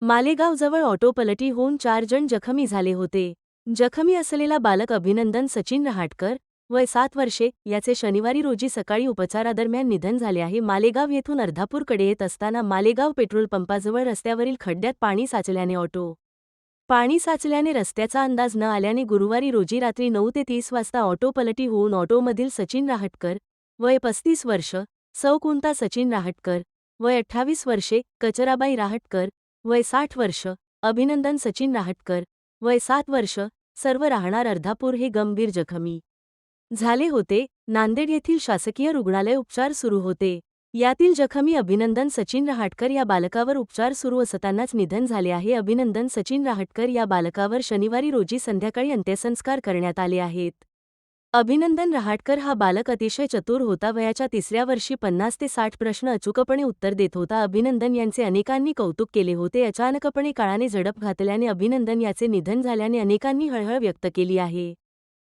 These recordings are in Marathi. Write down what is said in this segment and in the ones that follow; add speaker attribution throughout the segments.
Speaker 1: मालेगावजवळ ऑटो पलटी होऊन 4 जण जखमी झाले होते. जखमी असलेला बालक अभिनंदन सचिन रहाटकर, वय 7 वर्षे, याचे शनिवारी रोजी सकाळी उपचारादरम्यान निधन झाले आहे. मालेगाव येथून अर्धापूरकडे येत असताना मालेगाव पेट्रोल पंपाजवळ रस्त्यावरील खड्ड्यात पाणी साचल्याने पाणी साचल्याने रस्त्याचा अंदाज न आल्याने गुरुवारी रोजी रात्री 9 ते 30 वाजता ऑटो पलटी होऊन ऑटोमधील सचिन रहाटकर, वय 35 वर्ष, सौ कुंता सचिन रहाटकर, वय 28 वर्षे, कचराबाई रहाटकर, वय 60 वर्ष, अभिनंदन सचिन रहाटकर, वय 7 वर्ष, सर्व राहणार अर्धापूर हे गंभीर जखमी झाले होते. नांदेड येथील शासकीय रुग्णालय उपचार सुरू होते. यातील जखमी अभिनंदन सचिन रहाटकर या बालकावर उपचार सुरू असतानाच निधन झाले आहे. अभिनंदन सचिन रहाटकर या बालकावर शनिवारी रोजी संध्याकाळी अंत्यसंस्कार करण्यात आले आहेत. अभिनंदन रहाटकर हा बालक अतिशय चतुर होता. वयाच्या 3ऱ्या वर्षी 50 ते 60 प्रश्न अचूकपणे उत्तर देत होता. अभिनंदन यांचे अनेकांनी कौतुक केले होते. अचानकपणे काळाने झडप घातल्याने अभिनंदन याचे निधन झाल्याने अनेकांनी हळहळ व्यक्त केली आहे.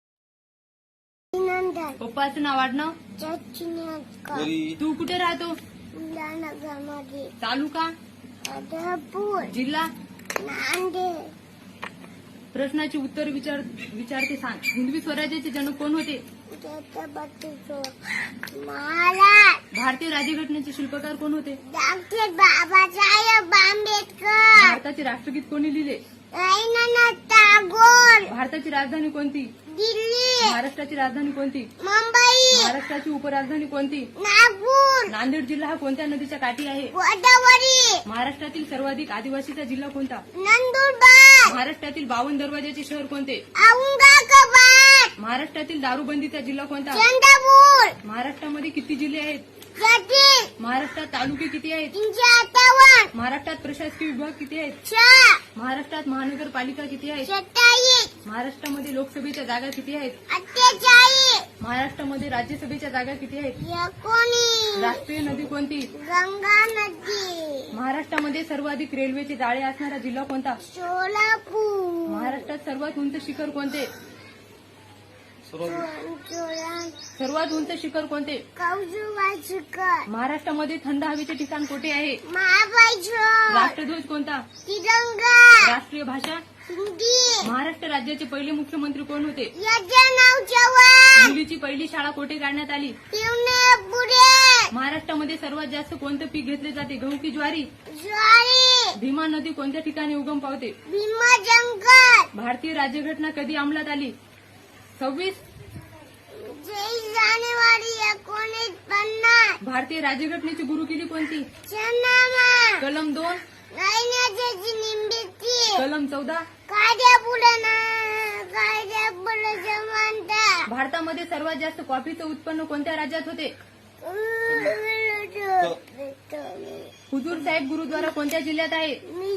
Speaker 2: पप्पाचं नाव आडनाव? तू कुठे राहतो? तालुका? जिल्हा? प्रश्नाची उत्तर विचारते सांग. हिंदवी स्वराज्याचे जनक कोण होते? भारतीय राज्यघटनेचे शिल्पकार कोण होते?
Speaker 3: डॉक्टर बाबासाहेब आंबेडकर.
Speaker 2: भारताचे राष्ट्रगीत कोणी लिहिले?
Speaker 3: रवींद्रनाथ टागोर.
Speaker 2: भारताची राजधानी कोणती?
Speaker 3: दिल्ली.
Speaker 2: महाराष्ट्राची राजधानी कोणती?
Speaker 3: मुंबई.
Speaker 2: महाराष्ट्राची उपराजधानी कोणती?
Speaker 3: नागपूर.
Speaker 2: नांदेड जिल्हा हा कोणत्या नदीच्या काठी आहे?
Speaker 3: गोदावरी.
Speaker 2: महाराष्ट्रातील सर्वाधिक आदिवासीचा जिल्हा कोणता?
Speaker 3: नंदुरबार.
Speaker 2: महाराष्ट्रातील 52 दरवाजाचे शहर कोणते?
Speaker 3: औरंगाबाद.
Speaker 2: महाराष्ट्रातील दारूबंदीचा जिल्हा कोणता?
Speaker 3: चंद्रपूर.
Speaker 2: महाराष्ट्रामध्ये किती जिल्हे आहेत?
Speaker 3: जती.
Speaker 2: महाराष्ट्रात तालुके किती आहेत?
Speaker 3: 358.
Speaker 2: महाराष्ट्रात प्रशासकीय विभाग किती आहेत?
Speaker 3: 6.
Speaker 2: महाराष्ट्रात महानगरपालिका किती आहेत?
Speaker 3: 27.
Speaker 2: महाराष्ट्रामध्ये लोकसभेच्या जागा किती आहेत?
Speaker 3: 48.
Speaker 2: महाराष्ट्रामध्ये राज्यसभेच्या जागा किती आहेत?
Speaker 3: 19.
Speaker 2: राष्ट्रीय नदी कोणती?
Speaker 3: गंगा नदी.
Speaker 2: महाराष्ट्रामध्ये सर्वाधिक रेल्वेचे जाळे असणारा जिल्हा कोणता?
Speaker 3: सोलापूर.
Speaker 2: महाराष्ट्रात सर्वात उंच शिखर कोणते? सर्वात उंच शिखर कोणते?
Speaker 3: कौजुबाईकर.
Speaker 2: महाराष्ट्रामध्ये थंड हवेचे ठिकाण कोठे आहे?
Speaker 3: महाबळेश्वर.
Speaker 2: राष्ट्रध्वज कोणता?
Speaker 3: तिरंगा.
Speaker 2: राष्ट्रीय भाषा?
Speaker 3: हिंदी.
Speaker 2: महाराष्ट्र राज्याचे पहिले मुख्यमंत्री कोण होते?
Speaker 3: यजनाव चव्हाण.
Speaker 2: मुलीची पहिली शाळा कोठे काढण्यात आली?
Speaker 3: पुणे.
Speaker 2: महाराष्ट्रामध्ये सर्वात जास्त कोणतं पीक घेतले जाते? गहू की ज्वारी?
Speaker 3: ज्वारी.
Speaker 2: भीमा नदी कोणत्या ठिकाणी उगम पावते?
Speaker 3: भीमा जंगल.
Speaker 2: भारतीय राज्यघटना कधी अंमलात आली? 26
Speaker 3: जानेवारी 1950.
Speaker 2: भारतीय राज्यघटनेची गुरुकिल्ली कोणती?
Speaker 3: शहानामा.
Speaker 2: कलम 2.
Speaker 3: नैन्याची निंबिती.
Speaker 2: कलम 14.
Speaker 3: कायद्यापुढे समानता.
Speaker 2: भारतामध्ये सर्वात जास्त कॉफीचं उत्पन्न कोणत्या राज्यात होते? हुजूर साहेब गुरुद्वारा कोणत्या जिल्ह्यात आहे?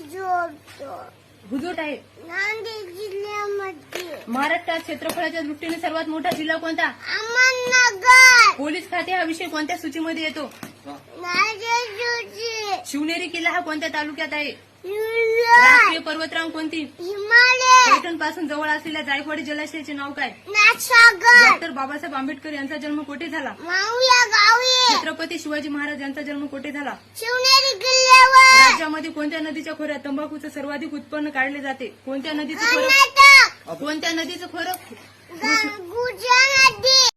Speaker 2: हुजूर आहे.
Speaker 3: नांदेड जिल्ह्यामध्ये.
Speaker 2: महाराष्ट्रात क्षेत्रफळाच्या दृष्टीने सर्वात मोठा जिल्हा कोणता?
Speaker 3: अहमदनगर.
Speaker 2: पोलीस खाते हा विषय कोणत्या सूचीमध्ये येतो?
Speaker 3: नांदेड.
Speaker 2: शिवनेरी किल्ला हा कोणत्या तालुक्यात आहे?
Speaker 3: हिमालय.
Speaker 2: राष्ट्रीय पर्वतरांग कोणती?
Speaker 3: हिमालय.
Speaker 2: पैठण पासून जवळ असलेल्या जायकवाडी जलाशयाचे नाव काय?
Speaker 3: नाथसागर.
Speaker 2: डॉक्टर बाबासाहेब आंबेडकर यांचा जन्म कोठे झाला?
Speaker 3: माऊया गावी.
Speaker 2: छत्रपती शिवाजी महाराज यांचा जन्म कोठे झाला?
Speaker 3: शिवनेरी किल्ल्यावर.
Speaker 2: राज्यामध्ये कोणत्या नदीच्या खोऱ्यात तंबाखूचं सर्वाधिक उत्पन्न काढले जाते? कोणत्या नदीचं खोरं?
Speaker 3: कर्नाटक.
Speaker 2: कोणत्या नदीचं खोरं?
Speaker 3: गुजरात नदी.